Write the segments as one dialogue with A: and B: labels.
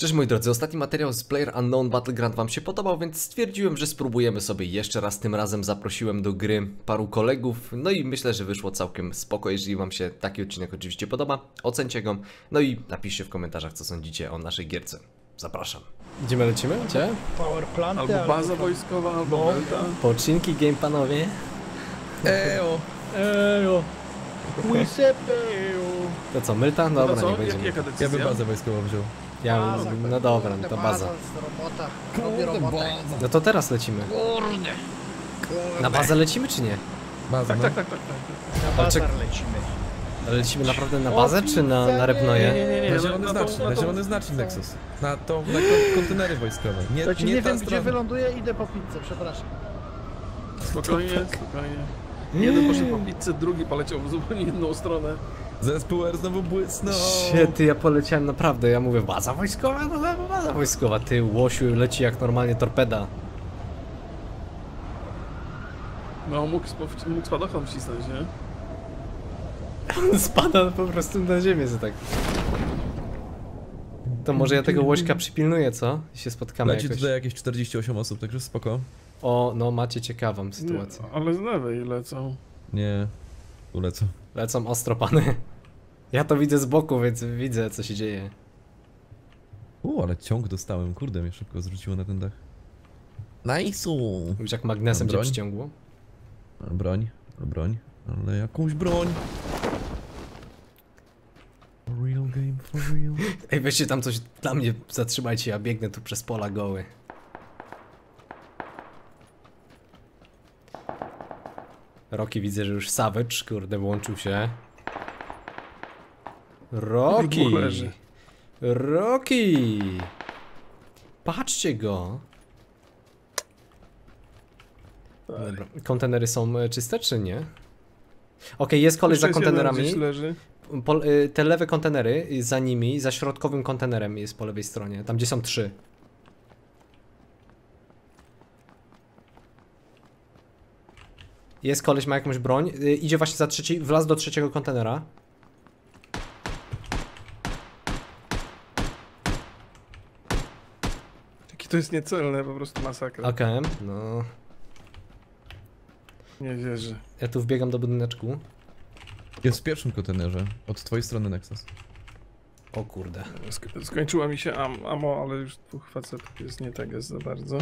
A: Cześć moi drodzy, ostatni materiał z PlayerUnknown Battleground wam się podobał, więc stwierdziłem, że spróbujemy sobie jeszcze raz. Tym razem zaprosiłem do gry paru kolegów, no i myślę, że wyszło całkiem spoko. Jeżeli wam się taki odcinek oczywiście podoba, ocencie go, no i napiszcie w komentarzach, co sądzicie o naszej gierce. Zapraszam. Gdzie my lecimy? Gdzie?
B: Power plant,
C: albo baza wojskowa, albo Melta.
A: Poczynki game panowie.
C: Ejo!
B: Ejo! Łysepejo!
A: To co, Mylta? Dobra,
C: co?
A: nie będziemy.
C: Jaka decyzja?
D: Ja bym bazę wojskową wziął.
A: Ja, no dobra, no to baza.
B: Robota. Robi robotę.
A: No to teraz lecimy.
B: Kurde.
A: Na bazę lecimy czy nie?
D: Baza, no.
C: Tak.
B: Na bazar lecimy.
A: Ale lecimy naprawdę na bazę czy na repnoje?
C: Nie,
D: Na
C: no,
D: zielony znacznik,
C: na
D: na
C: tą-
D: zielony znacznik Nexus. Na kontenery wojskowe.
B: To ci nie
D: ta
B: wiem, gdzie
D: strona.
B: wyląduję, idę po pizzę, przepraszam.
C: Spokojnie. Jeden poszedł po pizzę, drugi poleciał w zupełnie inną stronę.
D: Zespół R znowu błysnął.
A: Ty, ja poleciałem naprawdę, ja mówię baza wojskowa, no baza wojskowa, ty łosiu leci jak normalnie torpeda.
C: No, mógł spadochron wcisnąć, nie?
A: Spada po prostu na ziemię, że tak. To może ja tego łośka przypilnuję, co? I się spotkamy
D: Leci
A: jakoś.
D: tutaj jakieś 48 osób, także spoko.
A: O, no macie ciekawą sytuację.
C: Nie, ale z lewej lecą.
D: Nie, tu lecę.
A: Lecą ostro pany. Ja to widzę z boku, więc widzę co się dzieje.
D: Ale ciąg dostałem, kurde, mnie szybko zwróciło na ten dach. Nice'u!
A: Już jak magnesem cię
D: Broń?
A: przyciągło.
D: Broń, ale jakąś broń. For real game, for real.
A: Ej, weźcie tam coś dla mnie, zatrzymajcie, ja biegnę tu przez pola goły. Rocky widzę, że już Savage, kurde, włączył się. Rocky!
C: Dwóch leży.
A: Rocky! Patrzcie go! Dobra. Kontenery są czyste, czy nie? Okej, jest koleś za
C: Jeszcze jest jeden
A: kontenerami.
C: gdzieś leży.
A: Te lewe kontenery, za nimi, za środkowym kontenerem jest po lewej stronie, tam gdzie są 3. Jest koleś, ma jakąś broń, idzie właśnie za trzeci, wlazł do trzeciego kontenera.
C: Jaki to jest niecelne, po prostu masakra.
A: Okej, no.
C: Nie wierzę.
A: Ja tu wbiegam do budyneczku.
D: Jest w pierwszym kontenerze, od twojej strony Nexus.
A: O kurde.
C: Skończyła mi się ammo, ale już dwóch facetów jest nie tak jest za bardzo.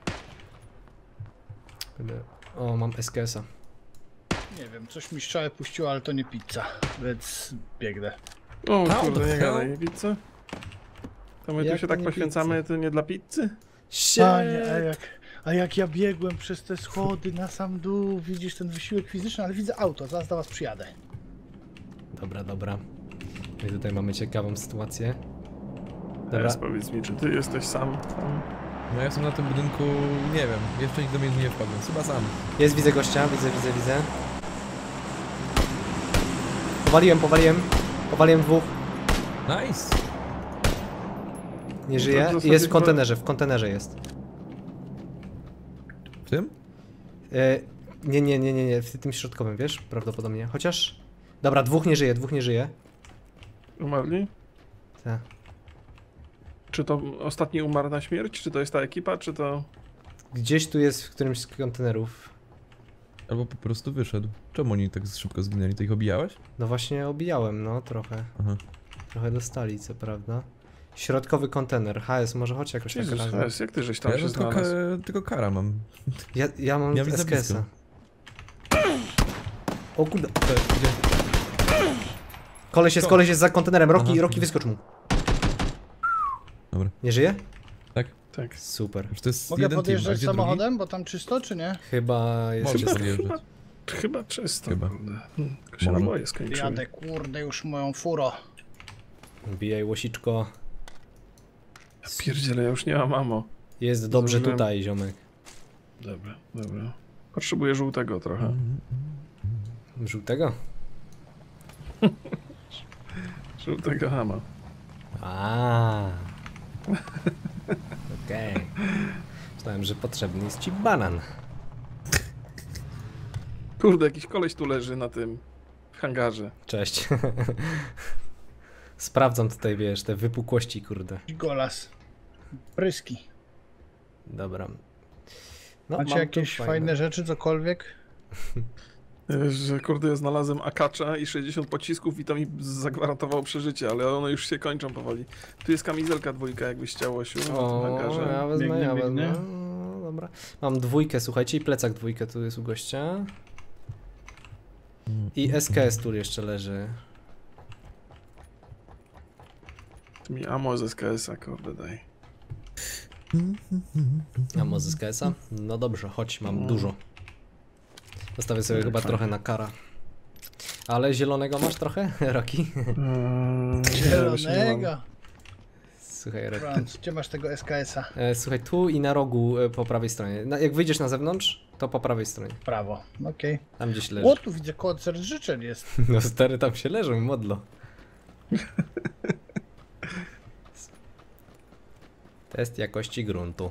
A: O, mam SKS-a.
B: Nie wiem, coś mi strzałę puściło, ale to nie pizza, więc biegnę.
C: O
D: How
C: kurde,
D: the
C: nie
D: hell?
C: gadaj, pizza? To my
A: Jak
C: tu się
A: to
C: tak
A: nie
C: poświęcamy, to nie dla pizzy?
B: Panie, a jak ja biegłem przez te schody na sam dół, widzisz ten wysiłek fizyczny, ale widzę auto, zaraz do was przyjadę.
A: Dobra, dobra. I tutaj mamy ciekawą sytuację. Dobra.
C: Teraz powiedz mi, czy ty jesteś sam tam?
D: No ja jestem na tym budynku, nie wiem, jeszcze nigdy do mnie nie wpadłem, chyba sam.
A: Jest, widzę gościa, widzę. Powaliłem dwóch.
D: Nice!
A: Nie
C: to
A: żyje.
C: w zasadzie
A: Jest w
C: chyba-
A: kontenerze jest.
D: W tym?
A: Nie, w tym środkowym, wiesz? Prawdopodobnie. Chociaż... Dobra, dwóch nie żyje.
C: Umarli?
A: Tak.
C: Czy to ostatni umarł na śmierć? Czy to jest ta ekipa, czy to...
A: Gdzieś tu jest w którymś z kontenerów.
D: Albo po prostu wyszedł. Czemu oni tak szybko zginęli? Ty ich obijałeś?
A: No właśnie obijałem, no trochę.
D: Aha.
A: Trochę dostali, co prawda. Środkowy kontener. HS, może chodź jakoś tak
C: Jezus,
A: razem.
C: Jezus, jak ty żeś tam
D: Ja
C: się
D: tylko,
C: znalazł?
D: tylko kara mam.
A: Ja mam
D: Ja widzę
A: SKS-a.
D: blisko.
A: O kurde.
D: Gdzie?
A: Koleś jest za kontenerem. Rocky
D: Aha.
A: wyskocz mu.
D: Dobra.
A: Nie żyje?
C: Tak.
A: Super.
D: Już to jest
B: Mogę
D: jeden team, a
B: podjeżdżać
D: gdzie
B: samochodem, bo tam czysto, czy nie?
A: Chyba jest...
D: Może
A: czysto.
D: podjeżdżać.
C: Chyba czysto.
D: Chyba.
C: Kurde. Tylko się
D: Może.
C: naboje skończyły.
B: Jadę, kurde, już moją furo.
A: Bijaj łosiczko.
C: Pierdziele, ja już nie mam ammo.
A: Jest dobrze
C: Zdążyłem.
A: tutaj, ziomek.
C: Dobra. Potrzebuję żółtego trochę.
A: Żółtego?
C: Żółtego ammo.
A: A. Okej. Myślałem, że potrzebny jest ci banan.
C: Kurde, jakiś koleś tu leży na tym... w hangarze.
A: Cześć. Sprawdzam tutaj, wiesz, te wypukłości, kurde.
B: Golas. Pryski.
A: Dobra. No,
B: Macie
A: mam tu
B: jakieś fajne rzeczy, cokolwiek?
C: Że kurde, ja znalazłem akacza i 60 pocisków i to mi zagwarantowało przeżycie, ale one już się kończą powoli. Tu jest kamizelka 2, jakbyś chciał, Osiu, na tym
A: O,
C: hangarze.
A: ja wezmę,
B: Biegnę,
A: ja wezmę.
B: biegnę.
A: No, dobra. Mam 2, słuchajcie, i plecak 2 tu jest u gościa. I SKS tu jeszcze leży.
C: Tu mi ammo z SKS-a, kurde, daj.
A: A może z SKS-a? No dobrze, chodź, mam dużo. Zostawię sobie chyba
C: fajnie.
A: trochę na kara. Ale zielonego masz trochę, Roki?
B: Zielonego.
A: Słuchaj, Roki.
B: Franz, gdzie masz tego SKS-a?
A: Słuchaj, tu i na rogu po prawej stronie. Jak wyjdziesz na zewnątrz, to po prawej stronie.
B: Prawo, okej.
A: Tam gdzieś leży.
B: O, tu widzę koncert życzeń jest.
A: No stary, tam się leżą, modlo. Test jakości gruntu.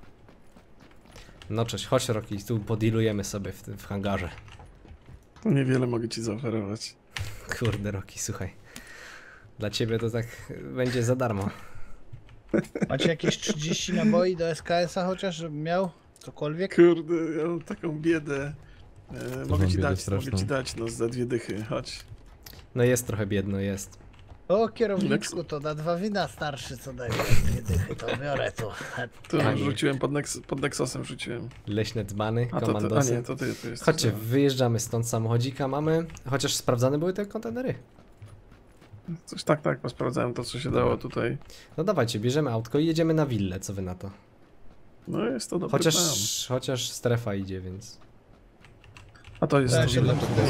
A: No cześć, chodź Roki, tu podilujemy sobie w hangarze.
C: Niewiele mogę ci zaoferować.
A: Kurde Roki, słuchaj. Dla ciebie to tak będzie za darmo.
B: Macie jakieś 30 naboi do SKS-a chociaż, żebym miał? Cokolwiek?
C: Kurde, ja mam taką biedę. Mogę
D: mam
C: ci
D: biedę
C: dać,
D: straszną.
C: no za 2 dychy, chodź.
A: No jest trochę biedno, jest.
B: O, kierowniczku, to na 2 wina starszy, co daje 2 dychy, to biorę tu.
C: Tu
A: Tak.
C: rzuciłem pod Nexosem rzuciłem.
A: Leśne dzbany,
C: A
A: komandosy.
C: nie, to ty jesteś.
A: Chodźcie, wyjeżdżamy stąd, samochodzika mamy. Chociaż sprawdzane były te kontenery.
C: Coś tak, posprawdzałem to, co się dało tutaj.
A: No dawajcie, bierzemy autko i jedziemy na willę, co wy na to?
C: No jest to dobry plan.
A: Chociaż strefa idzie, więc...
C: A to jest
B: Ja
C: to
B: się
C: willa.
B: włączę.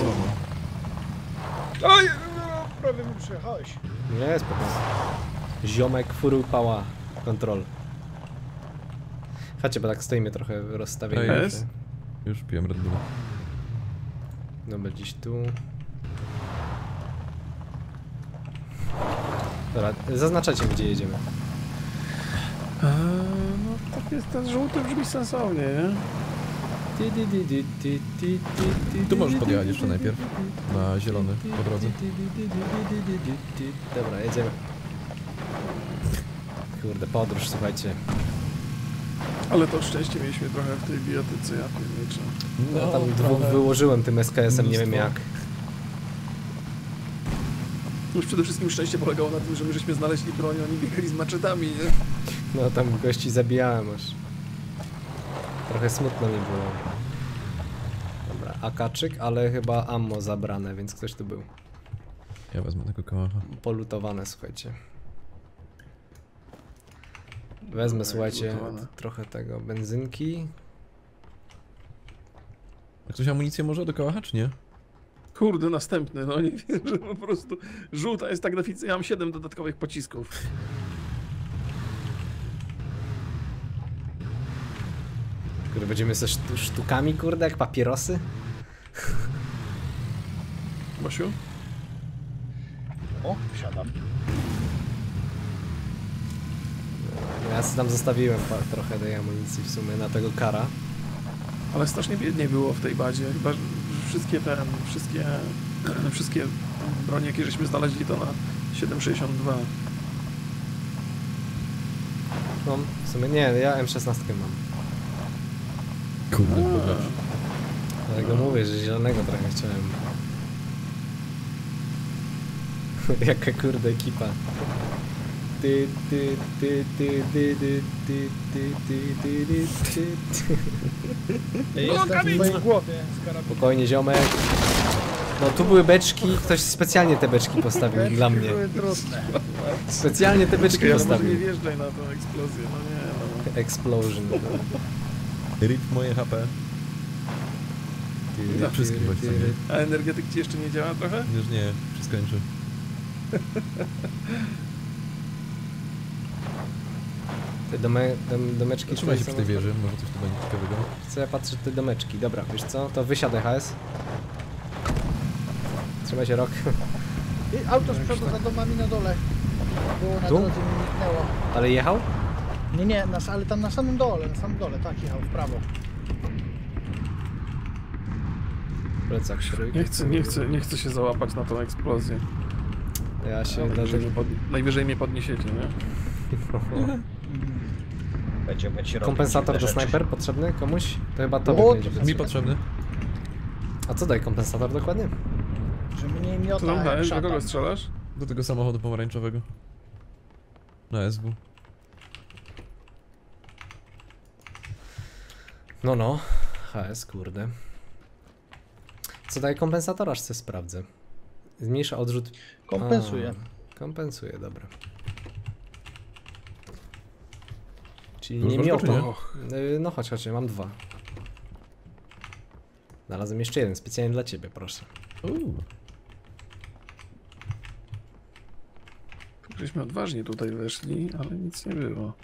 B: Oj, no, prawie mi przyjechałeś.
A: Nie, spokojnie. Ziomek full pała kontrol. Chodźcie, bo tak stoimy trochę rozstawieni.
C: To jest?
D: Już piłem Red Bulla.
A: Dobra, gdzieś tu. Dobra, zaznaczacie, gdzie jedziemy.
C: No tak jest, ten żółty brzmi sensownie, nie?
D: Tu możesz podjechać jeszcze najpierw. Na zielony, po drodze.
A: Dobra, jedziemy. Kurde, podróż, słuchajcie.
C: Ale to szczęście mieliśmy trochę w tej biotyce, ja pierniczę.
A: Ja tam dwóch wyłożyłem tym SKS-em, nie wiem jak.
C: Już przede wszystkim szczęście polegało na tym, że my żeśmy znaleźli broń, oni biegali z maczetami, nie?
A: No tam gości zabijałem aż. Trochę smutno mi było. Dobra, akaczyk, ale chyba ammo zabrane, więc ktoś tu był.
D: Ja wezmę tego kałacha.
A: Polutowane, słuchajcie. Wezmę, słuchajcie,
C: polutowane.
A: trochę tego benzynki.
D: A ktoś amunicję może do kałacha, czy nie?
C: Kurde, następny, no nie wiem, że po prostu żółta jest tak deficyt. Ja mam 7 dodatkowych pocisków.
A: Kurde, będziemy ze sztukami, kurde, jak papierosy?
C: Basiu?
B: O, wsiadam.
A: Ja tam zostawiłem trochę tej amunicji w sumie na tego kara.
C: Ale strasznie biednie było w tej bazie. Chyba że wszystkie bronie, jakie żeśmy znaleźli, to na 7,62.
A: No, w sumie nie, ja M16 mam.
D: Kurde, pokaż.
A: Dlatego mówię, że zielonego trochę chciałem. Jaka kurde ekipa. Ty.
B: Ja jestem w mojej głowie z karabinem.
A: Spokojnie, ziomek. No tu były beczki, ktoś specjalnie te beczki postawił dla mnie.
B: Były trudne.
A: Specjalnie te beczki
C: Ale może nie
A: postawił.
C: wjeżdżaj na tą eksplozję, no nie, no.
A: Explosion.
D: RIP moje HP. Wszystkim chodź sobie.
C: A energetyk ci jeszcze nie działa trochę?
D: Już nie, wszystko kończy.
A: Te domeczki
D: Trzymaj się
A: tutaj
D: przy tej
A: są
D: wieży, może coś tu będzie ciekawego.
A: Co ja patrzę te domeczki. Dobra, wiesz co? To wysiadaj HS. Trzymaj się, Rok.
B: I auto z przodu za domami na dole. Było na
A: Tu?
B: drodze, mi niknęło.
A: Ale jechał?
B: Nie, ale tam na samym dole, tak jechał w prawo.
A: Plecak śród.
C: Nie chcę się załapać na tą eksplozję.
A: Ja się
C: Najwyżej,
A: dlatego...
C: najwyżej mnie podniesiecie, nie?
B: Będziemy ci robić
A: Kompensator
B: te
A: do
B: rzeczy.
A: snajper potrzebny komuś? To chyba to
B: O,
A: będzie
B: to
D: Mi
A: potrzebne.
D: potrzebny.
A: A co daje kompensator dokładnie?
B: Że mnie
C: Co
B: miota
C: tam
B: jak
C: dajesz? Do
B: szatan.
C: kogo strzelasz?
D: Do tego samochodu pomarańczowego. Na SW.
A: No. HS, kurde. Co daje kompensator? Aż sobie sprawdzę. Zmniejsza odrzut...
B: Kompensuje.
A: Kompensuje, dobra. Czyli
D: Już
A: nie
D: masz go, czy
A: miota.
D: nie?
A: No chodź, mam 2. Znalazłem jeszcze jeden, specjalnie dla ciebie, proszę.
C: Żeśmy odważnie tutaj weszli, ale nic nie było.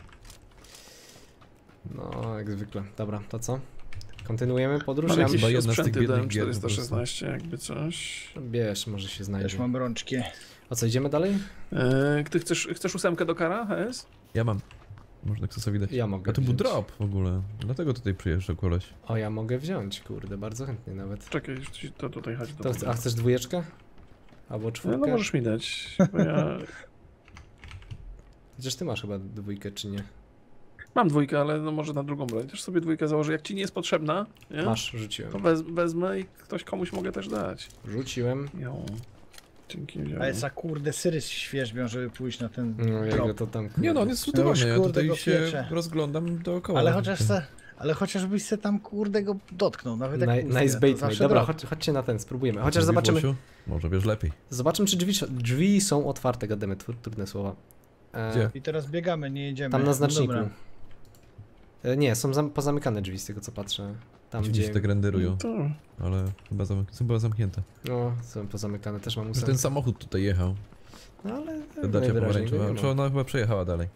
A: No, jak zwykle. Dobra, to co? Kontynuujemy podróż?
C: Mam
A: Ja
C: jakieś
D: chyba jedna z tych
C: sprzęty
D: biednych
C: dałem
D: gier po
C: 416, jakby coś.
A: Bierz, może się
B: Też
A: znajdzie.
B: mam rączki.
A: A co, idziemy dalej?
C: Ty chcesz 8 do kara, HS?
D: Ja mam. Można Xasowi dać.
A: Ja mogę
D: A to był
A: wziąć.
D: drop w ogóle. Dlatego tutaj przyjeżdżał koleś.
A: O, ja mogę wziąć, kurde, bardzo chętnie nawet.
C: Czekaj, to tutaj chodź.
A: A chcesz dwójeczkę? Albo czwórkę?
C: No możesz mi dać, bo ja
A: Chociaż ty masz chyba dwójkę, czy nie?
C: mam dwójkę, ale no może na drugą broń. Też sobie dwójkę założę. Jak ci nie jest potrzebna, nie?
A: Masz, rzuciłem.
C: To wezmę i ktoś komuś mogę też dać.
A: Rzuciłem.
C: Jo. Dzięki.
B: A jest za kurde syry świeżbią, żeby pójść na ten
A: No, jak
B: drop.
A: go to tam...
D: Nie no, on jest zlutowany. Ja
B: kurde,
D: tutaj
B: go
D: się
B: piecze.
D: rozglądam dookoła.
B: Ale chociażbyś se tam kurde go dotknął, nawet jak pusty,
A: Nice
B: to
A: bait,
B: zawsze
A: dobra,
B: drop.
A: chodźcie na ten, spróbujemy.
D: Mówi
A: Chociaż zobaczymy,
D: Włosiu? Może wiesz lepiej.
A: czy drzwi są otwarte, gademy, trudne słowa.
D: Gdzie?
B: I teraz biegamy, nie jedziemy.
A: Tam na
B: No
A: znaczniku.
B: dobra.
A: Nie, są pozamykane drzwi z tego co patrzę. Tam
D: Dziwnie się
A: gdzie...
D: tak renderują,
C: To.
D: ale chyba zamknięte.
A: No, są pozamykane, też mam
D: Że
A: ósemkę.
D: ten samochód tutaj jechał.
A: No ale
D: Ta dacia
A: najwyraźniej go
D: pomarańczowa.
A: nie
D: Czy
A: ma.
D: ona chyba przejechała dalej?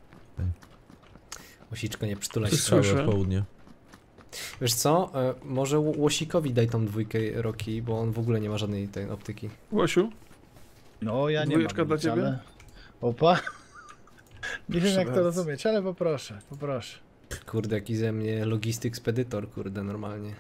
A: Łosiczko, nie przytulaj
C: Ty
A: się.
C: Słyszę.
D: Strzały od południa.
A: Wiesz co, może Łosikowi daj tą dwójkę Roki, bo on w ogóle nie ma żadnej tej optyki.
C: Łosiu?
B: No ja nie
C: Dwójeczka
B: mam
C: dla
B: nic,
C: ciebie?
B: ale... Opa. Nie wiem
C: Proszę
B: jak to
C: bardzo.
B: rozumieć, ale poproszę.
A: Kurde, jaki ze mnie logistyk spedytor, kurde, normalnie.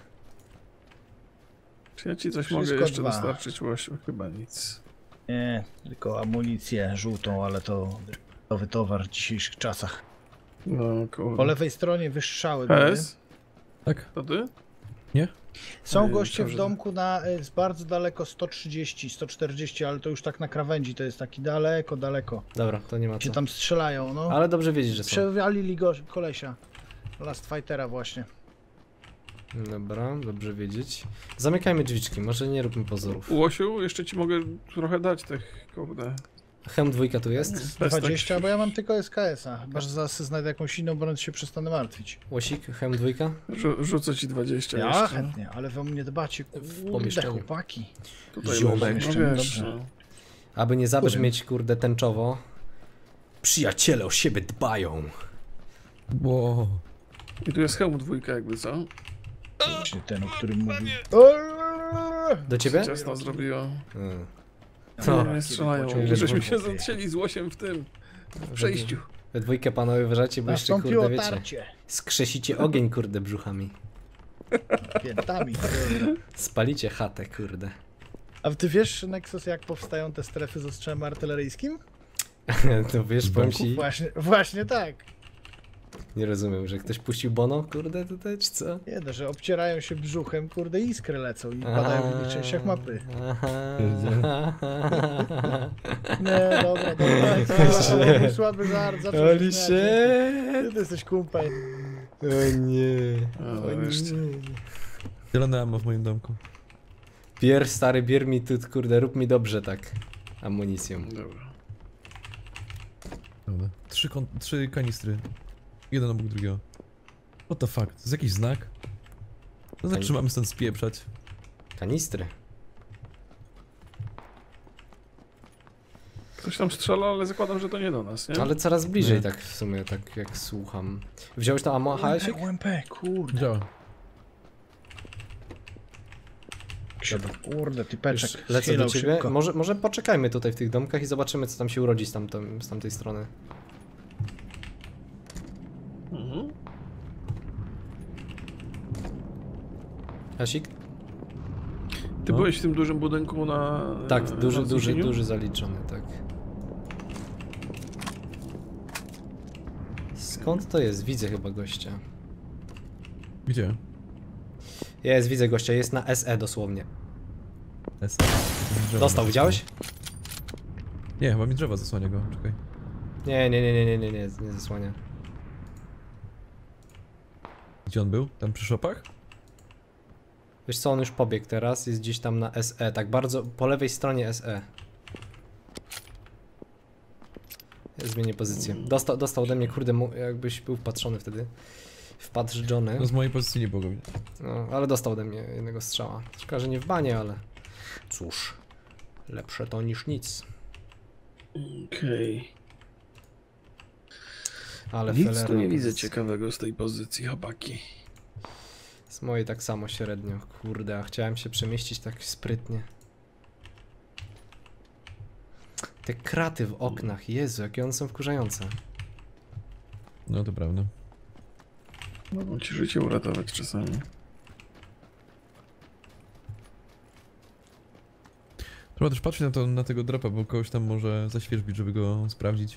C: Czy ja ci coś
B: Wszystko
C: mogę jeszcze
B: 2.
C: dostarczyć, Łosiu? Chyba nic.
B: Nie, tylko amunicję żółtą, ale to nowy towar w dzisiejszych czasach.
C: No
B: Po
C: kurde.
B: lewej stronie wystrzały były.
C: PS?
D: Tak?
C: To ty?
B: Są
C: Ej,
B: goście w
C: dobrze.
B: domku na jest bardzo daleko 130, 140, ale to już tak na krawędzi, to jest taki daleko.
A: Dobra, to nie ma
B: Się
A: co.
B: tam strzelają, no.
A: Ale dobrze wiedzieć, że są.
B: Przewalili go kolesia. Last Fightera właśnie.
A: Dobra, dobrze wiedzieć. Zamykajmy drzwiczki, może nie róbmy pozorów.
C: Łosiu, jeszcze ci mogę trochę dać tych, kurde.
A: Hem dwójka tu jest.
C: Bez
B: 20, bo ja mam tylko SKS-a. Chyba, że zaraz znajdę jakąś inną broń, to się przestanę martwić.
A: Łosik, hem dwójka.
C: Rzucę ci 20
B: Ja
C: jeszcze.
B: chętnie, ale wy o mnie dbacie, kurde,
A: pomieszczeniu.
B: chłopaki.
C: Tutaj
A: Ziomek.
C: leży.
B: Jeszcze,
C: No wiesz,
B: dobrze.
C: no.
A: Aby nie zabrzmieć,
B: Powiem.
A: kurde, tęczowo. Przyjaciele o siebie dbają.
D: Wow.
C: I tu jest hełm dwójka jakby, co?
B: Właśnie ten, o którym mówił.
A: Do ciebie?
C: Ciasno zrobiło.
A: No.
C: Nie strzelają.
A: pociąg-
C: Żeśmy się zacięli z Łosiem w tym. W przejściu.
A: We dwójkę panowie uważajcie, bo jeszcze,
B: Nastąpiło
A: kurde, wiecie.
B: tarcie.
A: Skrzesicie ogień, kurde, brzuchami.
B: Piętami. kurde.
A: Spalicie chatę, kurde.
B: A ty wiesz, Nexus, jak powstają te strefy z ostrzałem artyleryjskim?
A: To wiesz, powiem ci,
B: Właśnie tak.
A: nie rozumiem, że ktoś puścił Bono, kurde, tutaj, czy co?
B: Nie, no, że obcierają się brzuchem, kurde, iskry lecą i padają w innych częściach mapy. Nie, dobra. To był słaby żart, zaczął się
A: Holy
B: śmiać.
A: shit!
B: Ty jesteś kumpel.
A: O nie.
C: O,
A: O
C: wreszcie.
A: nie.
D: Zielone ammo w moim domku.
A: Stary, bier mi tu, kurde, rób mi dobrze tak. Amunicją.
C: Dobra.
D: Dobra. Trzy kanistry. Jeden obok drugiego. What the fuck? To jest jakiś znak? To znaczy, że mamy stąd spieprzać.
A: Kanistry.
C: Ktoś tam strzela, ale zakładam, że to nie do nas, nie?
A: Ale coraz bliżej
D: Nie.
A: tak w sumie, tak jak słucham. Wziąłeś to ammo, HS-ik?
B: UMP, kurde.
D: Działa.
B: Kurde, typeczek.
A: Już lecę do
B: schylał
A: ciebie.
B: szybko.
A: Może poczekajmy tutaj w tych domkach i zobaczymy, co tam się urodzi z tamtej strony.
C: Mhm.
A: Hasik?
C: Ty
D: No.
C: byłeś w tym dużym budynku na...
A: Tak,
C: na
A: duży
C: wzniesieniu?
A: zaliczony, tak. Skąd to jest? Widzę chyba gościa.
D: Gdzie?
A: Widzę gościa, jest na SE dosłownie.
D: S.
A: Dostał, widziałeś?
D: Nie, chyba mi drzewa zasłania go, czekaj.
A: Nie zasłania.
D: Gdzie on był? Tam przy szopach?
A: Wiesz co, on już pobiegł teraz, jest gdzieś tam na SE, tak bardzo po lewej stronie SE. Ja zmienię pozycję. Dostał ode mnie, kurde, jakbyś był wpatrzony wtedy. Wpatrzony.
D: No z mojej pozycji nie było go widać.
A: No, ale dostał ode mnie jednego strzała. Szkoda, że nie w banie, ale cóż, lepsze to niż nic.
C: Okej.
A: Ale
C: Nic
A: felera
C: tu nie
A: to
C: widzę
A: jest-
C: ciekawego z tej pozycji, chłopaki.
A: Z mojej tak samo średnio, kurde, a chciałem się przemieścić tak sprytnie. Te kraty w oknach, Jezu, jakie one są wkurzające.
D: No to prawda.
C: Mogą ci życie uratować czasami.
D: Trzeba też patrzeć na tego dropa, bo kogoś tam może zaświeżbić, żeby go sprawdzić.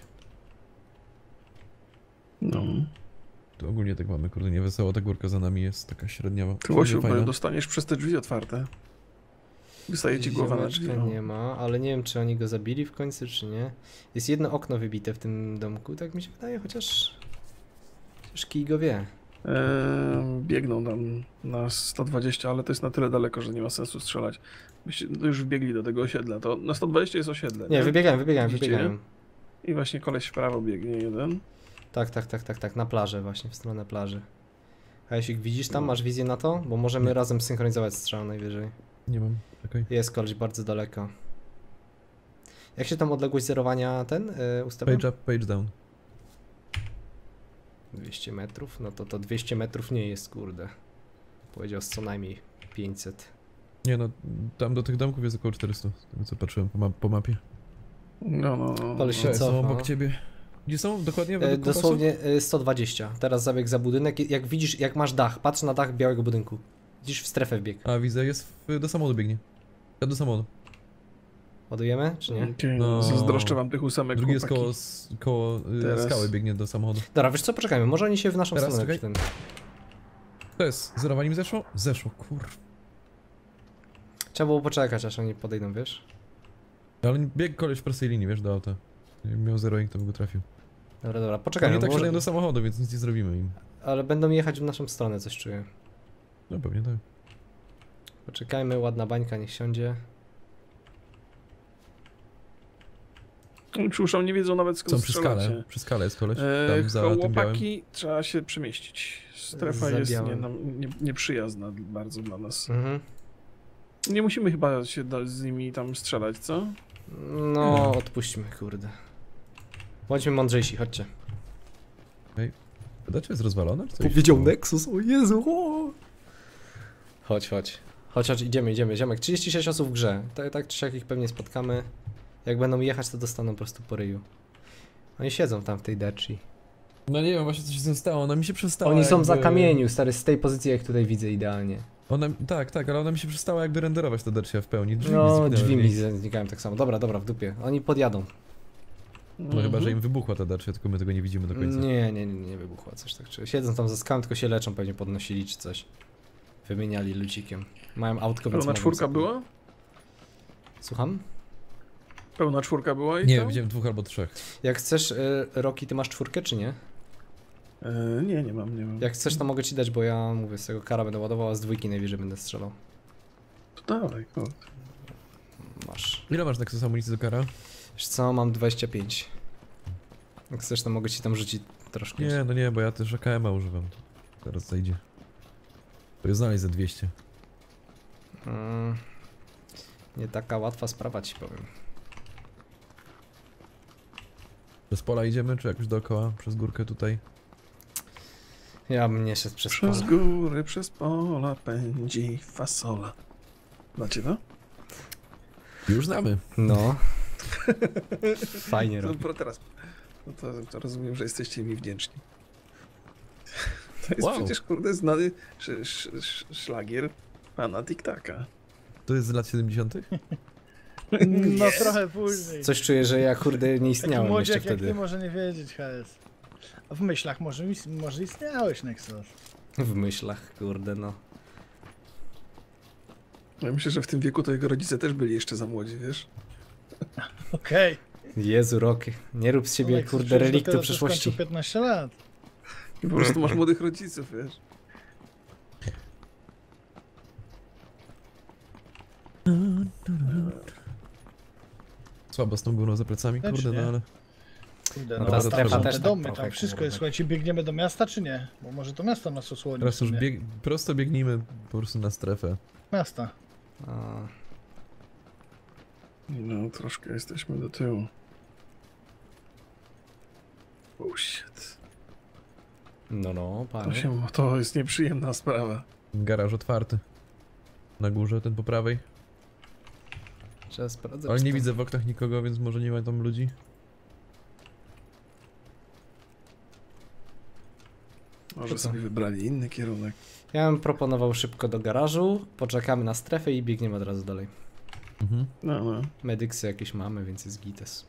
C: No.
D: To ogólnie tak mamy, kurde, niewesoło, ta górka za nami jest taka średniawa.
C: Ty, Łosiu,
D: Fajna.
C: bo dostaniesz przez te drzwi otwarte. Wystaje ci głowa na drzwi.
A: Ziomeczka
C: No.
A: nie ma, ale nie wiem, czy oni go zabili w końcu, czy nie. Jest jedno okno wybite w tym domku, tak mi się wydaje, chociaż kij go wie.
C: Biegną tam na 120, ale to jest na tyle daleko, że nie ma sensu strzelać. Byście już wbiegli do tego osiedla. To na 120 jest osiedle.
A: Nie,
C: Widzicie?
A: wybiegają.
C: I właśnie koleś w prawo biegnie jeden.
A: Tak, na plażę właśnie, w stronę plaży. A jeśli widzisz tam,
C: No.
A: masz wizję na to? Bo możemy
D: Nie.
A: razem synchronizować strzał najwyżej.
D: Nie mam, czekaj.
A: Jest koleś bardzo daleko. Jak się tam odległość zerowania ustawia?
D: Page up, page down.
A: 200 metrów? No to 200 metrów nie jest, kurde. Powiedział z co najmniej 500.
D: Nie no, tam do tych domków jest około 400, z tego co patrzyłem po mapie.
C: No.
A: Koleś się
D: Cześć, są
A: cofa.
D: obok ciebie. Gdzie są? Dokładnie według kompasu?
A: Dosłownie 120. Teraz zabieg za budynek. Jak widzisz, jak masz dach, patrz na dach białego budynku. Widzisz, w strefę wbieg.
D: A widzę, do samochodu biegnie. Ja do samochodu.
A: Ładujemy, czy nie?
C: Okay,
D: No.
C: zazdroszczę wam tych ósemek,
D: Drugi jest
C: chłopaki.
D: koło
C: Teraz.
D: skały, biegnie do samochodu.
A: Dobra, wiesz co, poczekajmy, może oni się w naszą
D: Teraz,
A: stronę
D: czekaj.
A: ten.
D: To jest, zerowanie mi zeszło? Zeszło, kur...
A: Trzeba było poczekać, aż oni podejdą, wiesz?
D: Ale biegł koleś w prostej linii, wiesz, do auta. Jakby miał zeroing, to by go trafił.
A: Dobra,
D: Oni
A: poczekajmy,
D: tak
A: może...
D: siadają do samochodu, więc nic nie zrobimy im.
A: ale będą jechać w naszą stronę, coś czuję.
D: No pewnie tak.
A: Poczekajmy, ładna bańka, niech siądzie.
C: Czuszą, nie wiedzą nawet skąd
D: Są przy
C: strzelacie.
D: skale, przy skale jest koleś, tam za tym białym.
C: Chłopaki, trzeba się przemieścić. Strefa
A: Za
C: jest
A: białym.
C: nieprzyjazna bardzo dla nas.
A: Mhm.
C: Nie musimy chyba się z nimi tam strzelać, co?
A: No, odpuśćmy, kurde. Bądźmy mądrzejsi, chodźcie.
D: Wydacie jest rozwalone? Czy coś?
A: Powiedział Nexus, o Jezu, o! Chodź, idziemy, ziomek. 36 osób w grze. Tak czy siak ich pewnie spotkamy. Jak będą jechać, to dostaną po prostu po ryju. Oni siedzą tam w tej deczy.
D: No nie wiem właśnie co się z tym stało, ona mi się przestała
A: Oni są
D: jakby...
A: za kamieniu, stary, z tej pozycji jak tutaj widzę idealnie.
D: Ona, tak, ale ona mi się przestała jakby renderować ta dercia w pełni. Drzwi mi
A: No,
D: zniknęły
A: drzwi
D: w
A: mi
D: niej.
A: znikają tak samo. Dobra, w dupie. Oni podjadą.
D: No chyba, że im wybuchła ta dercia, tylko my tego nie widzimy do końca.
A: Nie wybuchła coś tak. Czy siedzą tam za skałą, tylko się leczą, pewnie podnosili czy coś. Wymieniali lucikiem. Mają autko, więc
C: Pełna
A: mogą
C: czwórka
A: sobie-
C: była?
A: Słucham?
C: Pełna czwórka była i
D: Nie,
C: tam?
D: widziałem 2 albo 3.
A: Jak chcesz, Roki, ty masz czwórkę czy nie?
C: Nie mam.
A: Jak chcesz, to mogę ci dać, bo ja mówię, z tego kara będę ładował, a z dwójki najwyżej będę strzelał.
C: To dawaj, kurde.
A: Masz.
D: Ile masz Nexus amunicji do kara?
A: Wiesz co, mam 25. Jak chcesz, to mogę ci tam rzucić troszkę.
D: Nie, no nie, bo ja też AKM-a używam. Teraz zajdzie. To jest znaleźć za 200.
A: Nie taka łatwa sprawa, ci powiem.
D: Przez pola idziemy, czy jakoś dookoła? Przez górkę tutaj?
A: Ja bym nie szedł przez
C: Przez
A: pole.
C: góry, przez pola pędzi fasola. Znacie to?
D: Już znamy.
A: No. Fajnie robi.
C: Teraz. No to rozumiem, że jesteście mi wdzięczni. To jest
D: Wow.
C: przecież, kurde, znany szlagier pana Tiktaka.
D: To jest z lat 70.?
B: No trochę później.
A: Coś czuję, że ja kurde nie
B: Taki
A: istniałem jeszcze
B: młodziak jak
A: wtedy.
B: ty może nie wiedzieć, HS. A w myślach może istniałeś, Nexus.
A: W myślach, kurde no.
C: Ja myślę, że w tym wieku to jego rodzice też byli jeszcze za młodzi, wiesz?
B: Okej.
A: Jezu, Rocky, nie rób z siebie
B: Nexus,
A: kurde
B: przecież
A: reliktu
B: dopiero co
A: przyszłości.
B: skończył 15 lat.
C: I po prostu masz młodych rodziców, wiesz?
D: Słabo z tą górą za plecami,
B: Też
D: kurde,
B: nie.
D: no ale...
B: Kurde,
A: No
B: no
A: ta
B: tam
A: strefa
B: są
A: też
B: te
A: tak
B: domy,
A: trochę,
B: tam wszystko jest.
A: kurde.
B: Słuchajcie, biegniemy do miasta czy nie? Bo może to miasto nas osłoni.
D: Teraz
B: w
D: już
B: sumie.
D: prosto biegnijmy po prostu na strefę.
B: Miasta.
A: A,
C: No, troszkę jesteśmy do tyłu. Oh shit.
A: no, panie.
C: To jest nieprzyjemna sprawa.
D: Garaż otwarty. Na górze, ten po prawej.
A: Trzeba sprawdzać.
D: Ale
A: czy
D: nie
A: to-
D: widzę w oknach nikogo, więc może nie ma tam ludzi.
C: Może
A: Co?
C: sobie wybrali inny kierunek.
A: Ja bym proponował szybko do garażu, poczekamy na strefę i biegniemy od razu dalej.
D: Mhm.
C: No.
A: Medyksy jakieś mamy, więc jest gites.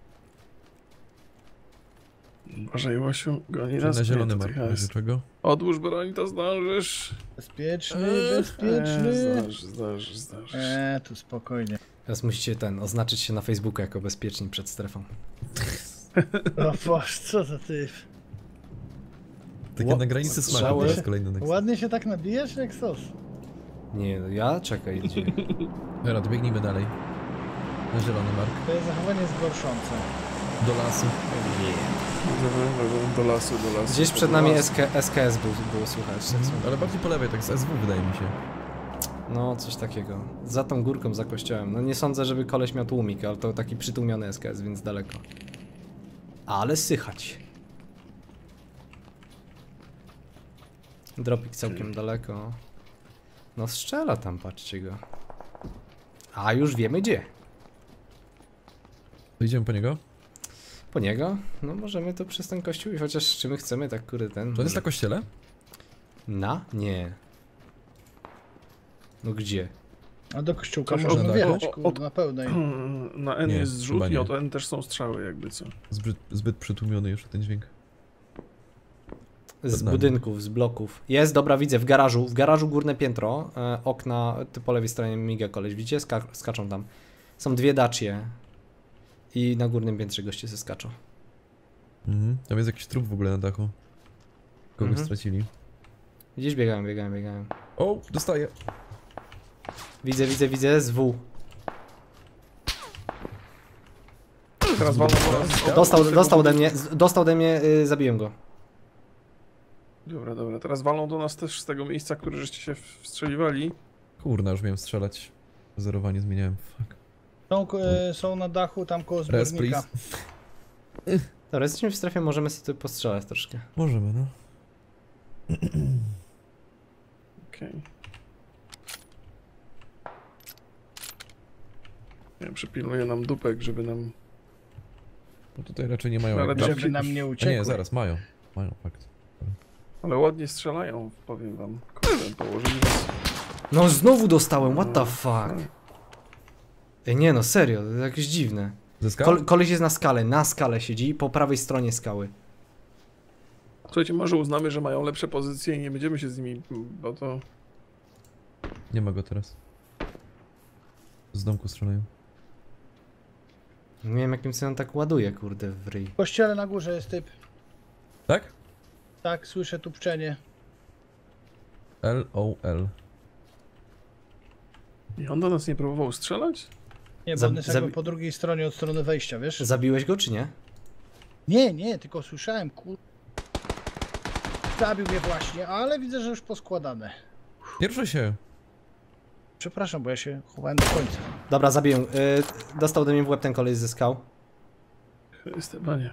C: Uważaj, Łosiu, goni
D: Czyli
C: nas.
D: na zielony
C: Nie, to
D: mark,
C: ty
D: w razie
C: jest.
D: czego.
C: Odłóż broń, to zdążysz.
B: Bezpieczny, bezpieczny.
C: Zdążysz.
B: Tu spokojnie.
A: Teraz musicie oznaczyć się na Facebooku jako bezpieczni przed strefą.
B: O Boże, co za ty.
D: Takie na granicy smaku,
A: Strzały.
D: to jest kolejny next.
B: Ładnie się tak nabijasz, Nexus?
A: Nie, no ja? Czekaj, gdzie?
D: Dobra, to biegnijmy dalej. Na zielony mark.
B: To zachowanie jest gorszące.
D: Do lasu.
C: Do lasu.
A: Gdzieś przed nami SKS było słychać. Tak
D: Mhm. Ale bardziej po lewej, tak z SW wydaje mi się.
A: No, coś takiego. Za tą górką, za kościołem. No nie sądzę, żeby koleś miał tłumik, ale to taki przytłumiony SKS, więc daleko. Ale sychać. Dropik całkiem daleko. No strzela tam, patrzcie go. A już wiemy gdzie.
D: To idziemy po niego?
A: Po niego? No możemy to przez ten kościół i chociaż czy my chcemy tak kurde ten...
D: To jest na kościele?
A: Na? Nie. No gdzie?
B: A do kościółka
C: Coś
B: można
D: od-
B: wjechać,
C: od-
B: kurde, na pełnej.
C: Na N
D: Nie,
C: jest zrzut
D: chyba
C: i
D: nie.
C: od N też są strzały jakby co.
D: Zbyt przytłumiony jeszcze ten dźwięk.
A: Z
D: Przed nami.
A: budynków, z bloków. Jest, dobra, widzę, w garażu górne piętro, okna, ty po lewej stronie miga koleś, widzicie? Skaczą tam. Są dwie dacie. I na górnym piętrze goście se skaczą.
D: Mhm. Tam jest jakiś trup w ogóle na dachu. Kogoś
A: Mhm.
D: stracili.
A: Gdzieś biegają.
D: O, dostaję.
A: Widzę, z W.
C: Teraz walną po nas.
A: Dostał ode mnie, zabiłem go.
C: Dobra. Teraz walną do nas też z tego miejsca, które żeście się wstrzeliwali.
D: Kurna, już miałem strzelać. Zerowanie zmieniałem. Fuck.
B: Są na dachu tam koło
D: Res,
B: zbiornika.
D: please.
A: Dobra, jesteśmy w strefie, możemy sobie tu postrzelać troszkę.
D: Możemy, no.
C: Okej. Ja przypilnuję nam dupek, żeby nam...
D: No tutaj raczej nie mają
C: Ale
D: jakichś...
C: tam
B: Żeby nam nie
D: A
B: uciekły.
D: nie, zaraz, mają. Mają, fakt.
C: Ale ładnie strzelają, powiem wam. Kurde, położyli nas...
A: No znowu dostałem, what the fuck. Ej, nie no, serio, to jakieś dziwne.
D: Ze skał?
A: Koleś jest na skale siedzi, po prawej stronie skały.
C: Słuchajcie, może uznamy, że mają lepsze pozycje i nie będziemy się z nimi, bo to...
D: Nie ma go teraz. Z domku strzelają.
A: Nie wiem jakim sobie on tak ładuje, kurde, w ryj.
B: W kościele na górze jest typ.
D: Tak?
B: Tak, słyszę tu pczenie.
D: L-O-L.
C: I on do nas nie próbował strzelać?
B: Nie, bo
A: Zab-
B: on jest jakby
A: zabi-
B: po drugiej stronie od strony wejścia, wiesz?
A: Zabiłeś go czy nie?
B: Nie, tylko słyszałem, Zabił mnie właśnie, ale widzę, że już poskładane.
D: Pierwsze się.
B: Przepraszam, bo ja się chowałem do końca.
A: Dobra, zabiję. Dostał ode mnie w łeb ten koleś ze skał.
C: Stefanie.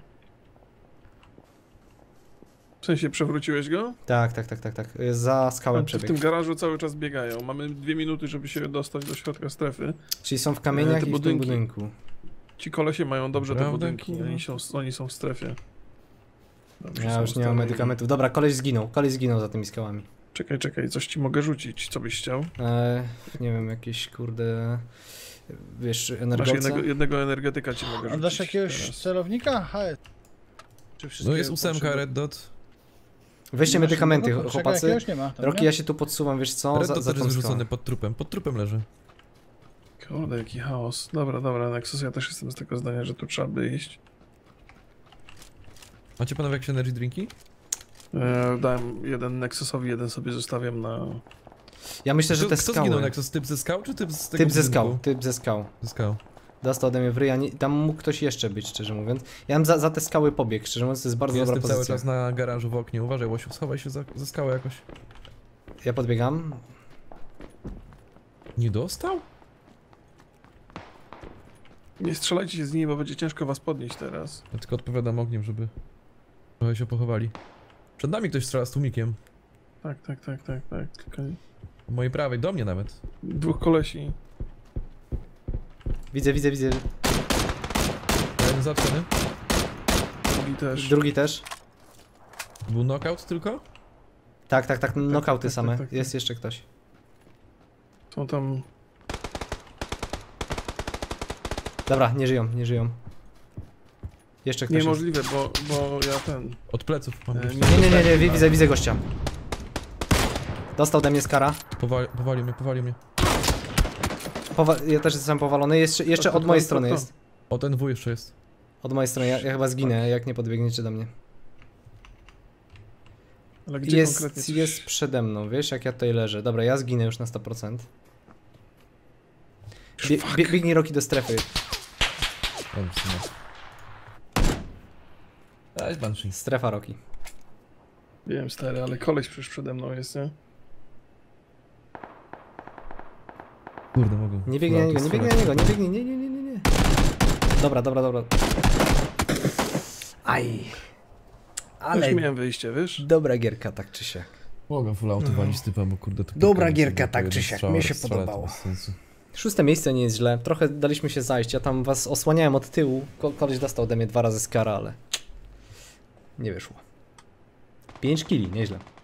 C: W sensie przewróciłeś go?
A: Tak. Za skałę
C: W tym
A: przebiegł.
C: garażu cały czas biegają. Mamy 2 minuty, żeby się dostać do środka strefy.
A: Czyli są w kamieniach
C: te
A: i w tym
C: budynki.
A: budynku.
C: Ci kolesie mają dobrze te
D: Prawda,
C: budynki.
D: kurwa?
C: Oni są w strefie. Dobrze
A: Ja
C: są
A: już nie mam
C: ustawieni.
A: medykamentów. Dobra, koleś zginął za tymi skałami.
C: Czekaj, coś ci mogę rzucić, co byś chciał?
A: Nie wiem, jakieś kurde... Wiesz,
C: Masz
A: energolca?
C: jednego energetyka ci mogę
B: A
C: rzucić.
B: dasz jakiegoś
C: teraz.
B: celownika? HS. Czy wszystkie
D: No jest 8
B: potrzeby-
D: red dot.
A: Weźcie
B: Masz
A: medykamenty,
B: jednego? Czekaj,
A: chłopacy.
B: jakiegoś nie ma. Tam,
A: Roki,
B: nie?
A: ja się tu podsuwam, wiesz co?
D: Red
A: Za
D: dot też
A: tą
D: jest
A: skałę.
D: wyrzucony pod trupem leży.
C: Kurde, jaki chaos. Dobra, Nexus, ja też jestem z tego zdania, że tu trzeba by iść.
D: Macie panowie jakieś energy drinki?
C: Dałem jeden Nexusowi, jeden sobie zostawiam na...
A: Ja myślę, że te
D: Kto
A: skały...
D: zginął, Nexus? Typ ze skał, czy typ z tego
A: Typ ze skał,
D: budynku?
A: typ ze skał.
D: Ze skał.
A: Dostał ode mnie w ryja, tam mógł ktoś jeszcze być, szczerze mówiąc. Ja bym za te skały pobiegł, szczerze mówiąc, to jest bardzo dobra
D: Jestem cały
A: pozycja.
D: czas na garażu w oknie. Uważaj, Łosiu, schowaj się za skałę jakoś.
A: Ja podbiegam.
D: Nie dostał?
C: Nie strzelajcie się z nimi, bo będzie ciężko was podnieść teraz.
D: Ja tylko odpowiadam ogniem, żeby trochę się pochowali. Przed nami ktoś strzela z tłumikiem.
C: Tak. Tylko
D: Po mojej prawej, do mnie nawet.
C: dwóch kolesi.
A: Widzę.
D: Jeden zatrzony.
C: Drugi też.
A: Drugi też.
D: Był knockout tylko?
A: Tak, knockouty
C: tak,
A: same.
C: tak.
A: Jest jeszcze ktoś.
C: Są tam...
A: Dobra, nie żyją. Jeszcze ktoś jest.
C: Niemożliwe, bo ja ten...
D: Od pleców mam gościa.
A: Nie, widzę gościa. Dostał ode mnie skara.
D: Powalił mnie.
A: Ja też jestem powalony. Jeszcze od mojej strony jest.
D: O, ten W jeszcze jest.
A: Od mojej strony, ja chyba zginę, jak nie podbiegniecie do mnie.
C: Ale gdzie konkretnie coś...
A: Jest przede mną, wiesz, jak ja tutaj leżę. Dobra, ja zginę już na 100%. Biegnij Roki do strefy.
D: Dobrze, w sumie. Daj, Banshee.
A: Strefa Roki.
C: Wiem, stary, ale koleś przecież przede mną jest, nie?
D: Kurde, mogę.
A: Nie biegnij na niego, nie biegnij, nie. Dobra. Aj. Ale
C: Już miałem wyjście, wiesz?
A: dobra gierka, tak czy siak.
D: Mogę full auto walić typa, bo kurde to...
A: Dobra
D: kilka
A: gierka,
D: razy
A: tak
D: po
A: czy
D: jeden
A: siak,
D: strzał,
A: mnie się
D: strzelać, to
A: podobało.
D: bez sensu.
A: 6. miejsce nie jest źle. Trochę daliśmy się zajść. Ja tam was osłaniałem od tyłu. Koleś dostał ode mnie 2 razy skara, ale nie wyszło. 5 killi, nieźle.